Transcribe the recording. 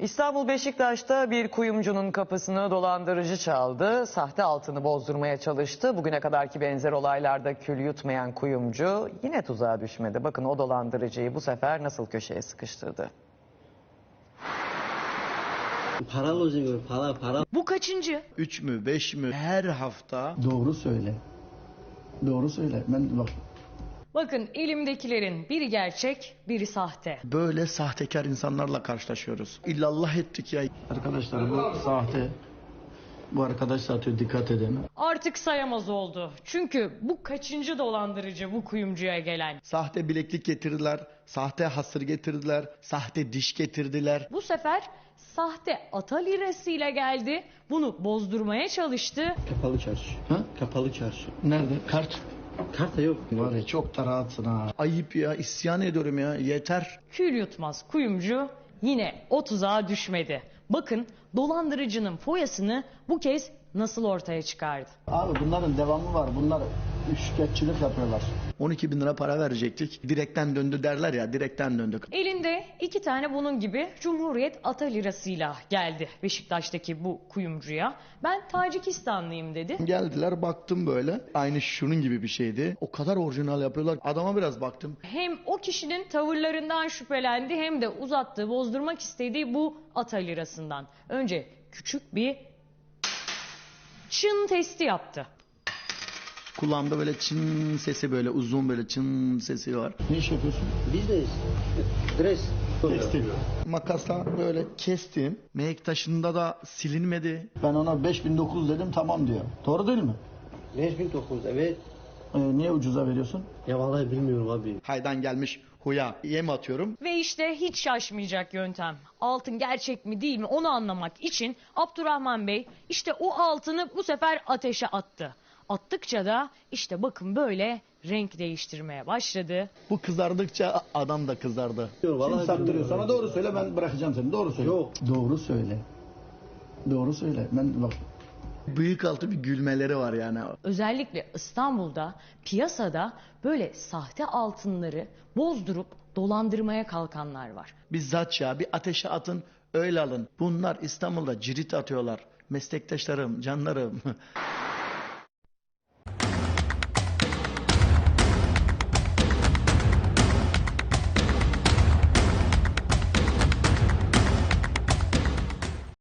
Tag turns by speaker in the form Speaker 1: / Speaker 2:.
Speaker 1: İstanbul Beşiktaş'ta bir kuyumcunun kapısını dolandırıcı çaldı. Sahte altını bozdurmaya çalıştı. Bugüne kadarki benzer olaylarda kül yutmayan kuyumcu yine tuzağa düşmedi. Bakın o dolandırıcıyı bu sefer nasıl köşeye sıkıştırdı.
Speaker 2: Para.
Speaker 3: Bu kaçıncı?
Speaker 4: 3 mü 5 mü her hafta.
Speaker 5: Doğru söyle. Doğru söyle. Ben bak.
Speaker 3: Bakın elimdekilerin biri gerçek, biri sahte.
Speaker 4: Böyle sahtekar insanlarla karşılaşıyoruz. İllallah ettik ya.
Speaker 5: Arkadaşlar bu sahte. Bu arkadaş satıyor, dikkat edin.
Speaker 3: Artık sayamaz oldu. Çünkü bu kaçıncı dolandırıcı bu kuyumcuya gelen.
Speaker 4: Sahte bileklik getirdiler, sahte hasır getirdiler, sahte diş getirdiler.
Speaker 3: Bu sefer sahte ata lirasıyla geldi. Bunu bozdurmaya çalıştı.
Speaker 2: Kapalı çarşı.
Speaker 5: Ha?
Speaker 2: Kapalı çarşı.
Speaker 5: Nerede? Kart.
Speaker 2: Kart da yok.
Speaker 5: Var ya, çok da rahatsın ha.
Speaker 4: Ayıp ya, isyan ediyorum ya, yeter.
Speaker 3: Kül yutmaz kuyumcu yine o tuzağa düşmedi. Bakın dolandırıcının foyasını bu kez nasıl ortaya çıkardı.
Speaker 5: Abi bunların devamı var. Bunlar üçkağıtçılık yapıyorlar.
Speaker 4: 12 bin lira para verecektik. Direkten döndü derler ya, direkten döndük.
Speaker 3: Elinde 2 tane bunun gibi Cumhuriyet ata lirasıyla geldi Beşiktaş'taki bu kuyumcuya. Ben Tacikistanlıyım dedi.
Speaker 4: Geldiler, baktım böyle. Aynı şunun gibi bir şeydi. O kadar orijinal yapıyorlar. Adama biraz baktım.
Speaker 3: Hem o kişinin tavırlarından şüphelendi hem de uzattığı, bozdurmak istediği bu ata lirasından. Önce küçük bir çın testi yaptı.
Speaker 4: Kulağımda böyle çın sesi, böyle uzun, böyle çın sesi var.
Speaker 5: Ne iş yapıyorsun?
Speaker 2: Business. Dress.
Speaker 5: Tekstil.
Speaker 4: Makasla böyle kestim. Meyek taşında da silinmedi.
Speaker 5: Ben ona 5900 dedim, tamam diyor. Doğru değil mi?
Speaker 2: 5900, evet.
Speaker 5: Niye ucuza veriyorsun?
Speaker 2: Ya vallahi bilmiyorum abi.
Speaker 4: Haydan gelmiş huya. Yem atıyorum.
Speaker 3: Ve işte hiç şaşmayacak yöntem. Altın gerçek mi değil mi onu anlamak için Abdurrahman Bey işte o altını bu sefer ateşe attı. Attıkça da işte bakın böyle renk değiştirmeye başladı.
Speaker 4: Bu kızardıkça adam da kızardı.
Speaker 5: Kim
Speaker 2: Vallahi
Speaker 5: sattırıyor
Speaker 2: bilmiyorum.
Speaker 5: sana? Doğru söyle, ben bırakacağım seni. Doğru söyle.
Speaker 2: Yok.
Speaker 5: Doğru söyle. Doğru söyle. Ben bak.
Speaker 4: Bıyık altı bir gülmeleri var yani.
Speaker 3: Özellikle İstanbul'da piyasada böyle sahte altınları bozdurup dolandırmaya kalkanlar var.
Speaker 4: Bizzat ya, bir ateşe atın öyle alın. Bunlar İstanbul'da cirit atıyorlar. Meslektaşlarım, canlarım.